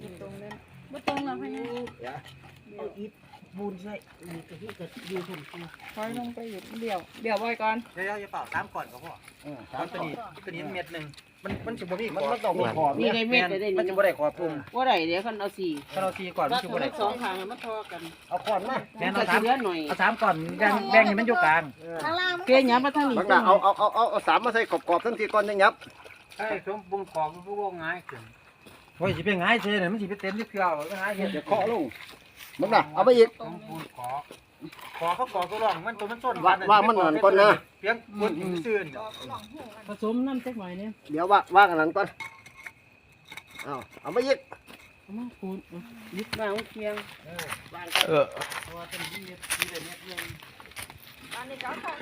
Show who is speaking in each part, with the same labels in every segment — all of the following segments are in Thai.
Speaker 1: ตรงเลย
Speaker 2: บ่ตรงหรอกพ่อเนี่ย
Speaker 3: เอาอิฐบูนใส่นี่ก็คือก็อยู่ผมตัว
Speaker 1: ถอยลงไปอยู่เดี๋ยวไว้ก่อน
Speaker 4: เดี๋ยวจะเป่า3ก่อนก็พอตอนตัวนี้เม็ดนึงมันจะบ่มี
Speaker 3: มันต้องมีขอบ
Speaker 5: มีได้เม็ดได้
Speaker 4: มันจะบ่ได้ขอบปุ่ม
Speaker 5: ว่าได้เดี๋ยวคันเอา4
Speaker 4: ถ้าเรา4ก่อนมันจะบ่ได้
Speaker 5: สองข้างมันทอกัน
Speaker 3: เอาขอนมา
Speaker 4: แม่น
Speaker 5: ก็
Speaker 4: เอา
Speaker 5: สิเหลือหน่อย
Speaker 4: 3ก่อนแบ่งให้มันอยู่กลาง
Speaker 2: ข้างล่าง
Speaker 5: เกยหยับมาทางนี้
Speaker 3: มันก็เอาสามมาใส่กรอบๆทั้งทีก่อนยังยับ
Speaker 4: ไอ้สมบุญของผู้ว่าง่ายขึ้นโอ้ยสิเป็นง่ายเซ่เนี่ยมันสิไปเต็มที่เกลือก็ง่ายเฮ็ด
Speaker 3: เดี๋ยวเคาะลงมันน่ะเอาไปอีก
Speaker 4: สมบุญขอเขาขอตัวรองมันตัวมันส้น
Speaker 3: ว่ามันนั่นก่อนนะ
Speaker 4: เพียงบุญซื่น
Speaker 5: ผสมน้ำจักหน่อยเนี่ย
Speaker 3: เดี๋ยวว่างอันนั้นก่อนเอาไปอีก
Speaker 5: เอามาคูณยึดวางเคียงวางกัน
Speaker 4: ตัวเป็นที่เม็ดที่เม็ดนึง
Speaker 2: อันนี้ก็เข้า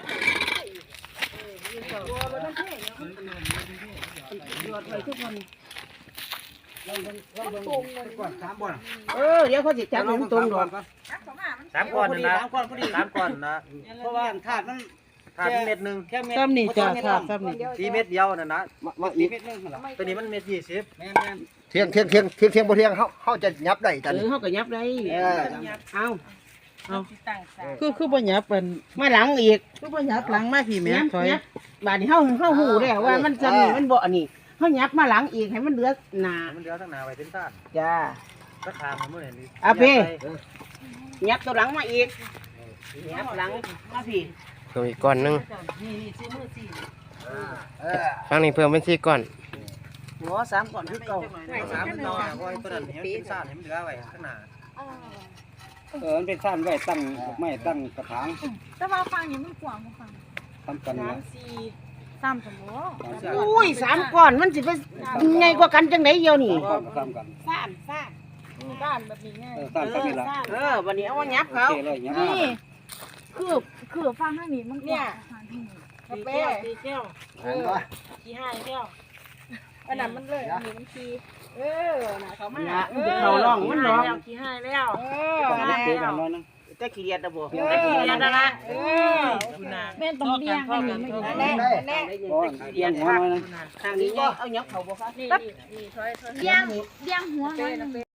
Speaker 5: ตัวบ่ต้องเทเนาะยอดไว้ทุกวัน
Speaker 4: ก่อน3บ่อน
Speaker 5: เดี๋ยวเขาสิจับให้มันตรงดอก
Speaker 2: จับเข้ามามัน
Speaker 4: 3ก่อนนะ
Speaker 5: 3ก้อนพอดี
Speaker 4: 3ก่อนนะ
Speaker 5: เพราะว่าถาดมัน
Speaker 4: ถ้าเม็ดนึง
Speaker 5: แค่เม็ดซ้ำนี่จ้ะถาดซ้ำนี่
Speaker 4: 4เม็ดเดียวน่ะนะ
Speaker 3: มาอีก
Speaker 5: เม็ดนึงเหรอ
Speaker 4: ตัวนี้มันเม็ด20
Speaker 5: แม่น
Speaker 3: เที่ยงบ่เที่ยงเขาจะยับได้จัน
Speaker 5: เฮาก็ยับได้เอา
Speaker 1: สิตั้งสา
Speaker 5: คือบ่ยับเป็นมาหลังอีกคือบ่ยับหลังมาพี่แม่ถอยบาดนี้เฮาฮู้แล้วว่ามันจะนี่มันบ่อันนี้เฮายับมาหลังอีกให้มันเหลือหน้า
Speaker 4: มันเดียวทั้งหน้าไว้เป็นต้าน
Speaker 5: จ้า
Speaker 4: สักทางมันมื้อนี้
Speaker 5: เอาพี่ ยับตัวหลังมาอีกยับหลังมาพี่
Speaker 6: เพิ่มอีกก้อนหนึง
Speaker 5: นี่ซื้อมือสี่
Speaker 6: ครั้งนี้เพิ่มเป็น4ก้อน
Speaker 5: หัว3ก่อนคือเก่า
Speaker 4: 3มันต่อไว้ตัวนั้นให้มันเป็นซ่านให้มันเหลือไว้ข้างหน้า
Speaker 5: มันเป็นสั้นไว้ตั้งไม่ตั้งกระถาง
Speaker 2: แต่ว่าฟังนี่มันกว้างบ่ฟัง
Speaker 5: ทำกัน
Speaker 2: 3 4 3สมมุติ
Speaker 5: อุ้ย3ก้อนมันสิไปใหญ่กว่ากันจังได๋เดียวนี่
Speaker 3: ก้อนก็ซ้ำกัน
Speaker 2: ด้านแบบนี้ไง
Speaker 3: ซ้ำกันนี่ละ
Speaker 5: วันนี้เอาว่ายับเขา
Speaker 3: โอเคเลยยับ
Speaker 2: นี่คือฟังทางนี้มันกว้างฟังทางนี้
Speaker 5: กาแฟตีแก้ว
Speaker 2: ขี้ให้แก้วอันนั้นมันเลยอันนี้มันขี้น่ะเขามา
Speaker 5: เขาล่องมันร้อง
Speaker 2: ขี้ให้แล้ว
Speaker 5: แต่ขี้เกียจบ่
Speaker 2: แต่ขี้เกียจนั่นล่ะแม่นต้องเลี้ยงให้นี่มันแน่
Speaker 5: ขี้เกียจทางนี้เอายับเขาบ่คะ
Speaker 2: เลี้ยงหัวมัน